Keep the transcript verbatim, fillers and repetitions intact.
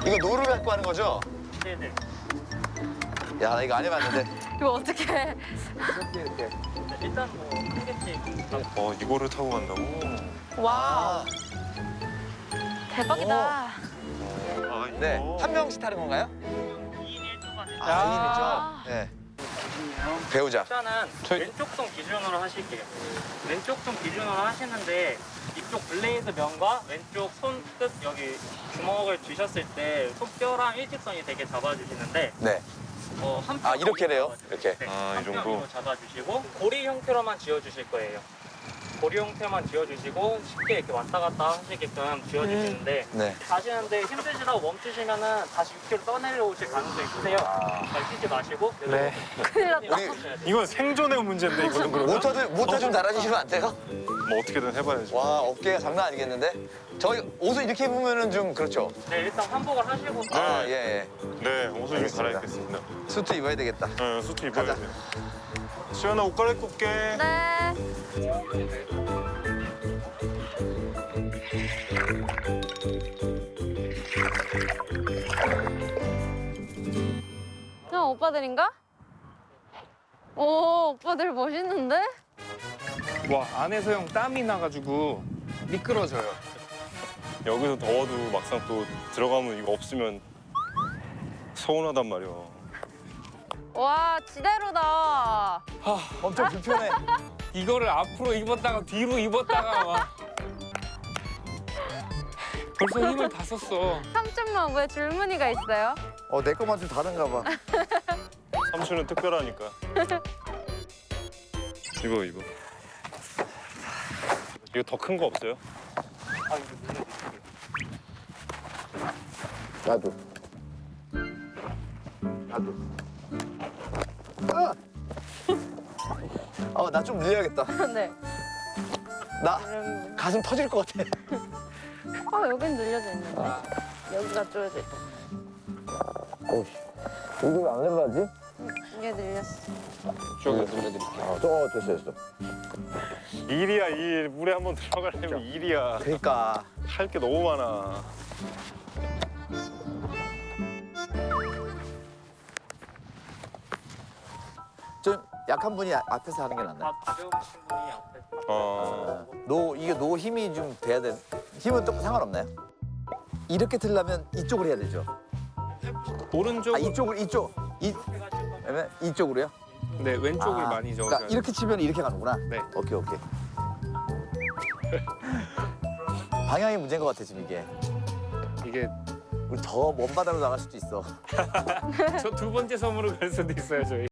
이거 노루 갖고 하는 거죠? 네네. 야, 나 이거 안 해봤는데. 이거 어떻게 해? 이렇게 이렇게. 네, 일단 뭐 한 개씩. 어, 이거를 타고 간다고? 와, 아, 대박이다. 아, 이거. 네. 한 명씩 타는 건가요? 이 인 일 조가 됐죠. 아, 이 인이죠? 네. 배우자. 일단은 저희- 왼쪽 손 기준으로 하실게요. 왼쪽 손 기준으로 하시는데 이쪽 블레이드 면과 왼쪽 손끝 여기 주먹을 쥐셨을 때 손뼈랑 일직선이 되게 잡아주시는데 네. 어, 한 아, 이렇게 돼요? 이렇게? 네, 아, 이 한 정도? 뼘으로 잡아주시고 고리 형태로만 지어주실 거예요. 고리 형태만 지어주시고 쉽게 이렇게 왔다 갔다 하시게끔 지어주시는데 네. 가시는데 힘드시다고 멈추시면은 다시 육 킬로미터 떠내려오실 가능성이 크세요. 아. 잘 뛰지 마시고 네. 큰일 났다. 우리 이건 생존의 문제인데, 이거는 그러면? 모터들, 모터 좀 달아주시면 안 돼요? 뭐 어떻게든 해봐야지. 와, 어깨가 장난 아니겠는데? 저희 옷을 이렇게 입으면은 좀 그렇죠? 네, 일단 환복을 하시고 아, 예, 예. 네, 옷을 좀 알겠습니다. 갈아입겠습니다. 수트 입어야 되겠다. 네, 수트 입어야 가자. 돼. 시연아, 옷 갈아입고 올게. 네. 형 오빠들인가? 오, 오빠들 멋있는데? 와 안에서 형 땀이 나가지고 미끄러져요. 여기서 더워도 막상 또 들어가면 이거 없으면 서운하단 말이야. 와, 지대로다. 엄청 불편해. 이거를 앞으로 입었다가 뒤로 입었다가 막 벌써 힘을 다 썼어. 삼촌만 왜 줄무늬가 있어요? 어, 내 것만 좀 다른가 봐. 삼촌은 특별하니까. 이거, 이거. 이거 더 큰 거 없어요? 아, 이거 눈에 나도. 나도. 아! 어, 나 좀 늘려야겠다. 네. 나 이런- 가슴 터질 것 같아. 아, 여긴 늘려져 있는데. 여기가 쪼여져 있다. 오씨. 이거 왜 안 내려가지? 이게 늘렸어. 저기 눌러드릴게요. 아, 저, 됐어, 됐어. 일이야, 일. 물에 한번 들어가려면 일이야. 그러니까. 할 게 너무 많아. 좀 약한 분이 아- 앞에서 하는 게 낫나? 다 가벼우신 분이 앞에 아, 노, 이게 노 힘이 좀 돼야 돼. 힘은 또 상관없나요? 이렇게 틀려면 이쪽으로 해야 되죠. 오른쪽 아, 이쪽을, 이쪽. 이, 그러면 이쪽으로요? 네 왼쪽을 아, 많이 적어요. 그러니까 이렇게 치면 이렇게 가는구나. 네. 오케이, 오케이. 방향이 문제인 것 같아, 지금 이게. 이게 우리 더 먼 바다로 나갈 수도 있어. 저 두 번째 섬으로 갈 수도 있어요 저희.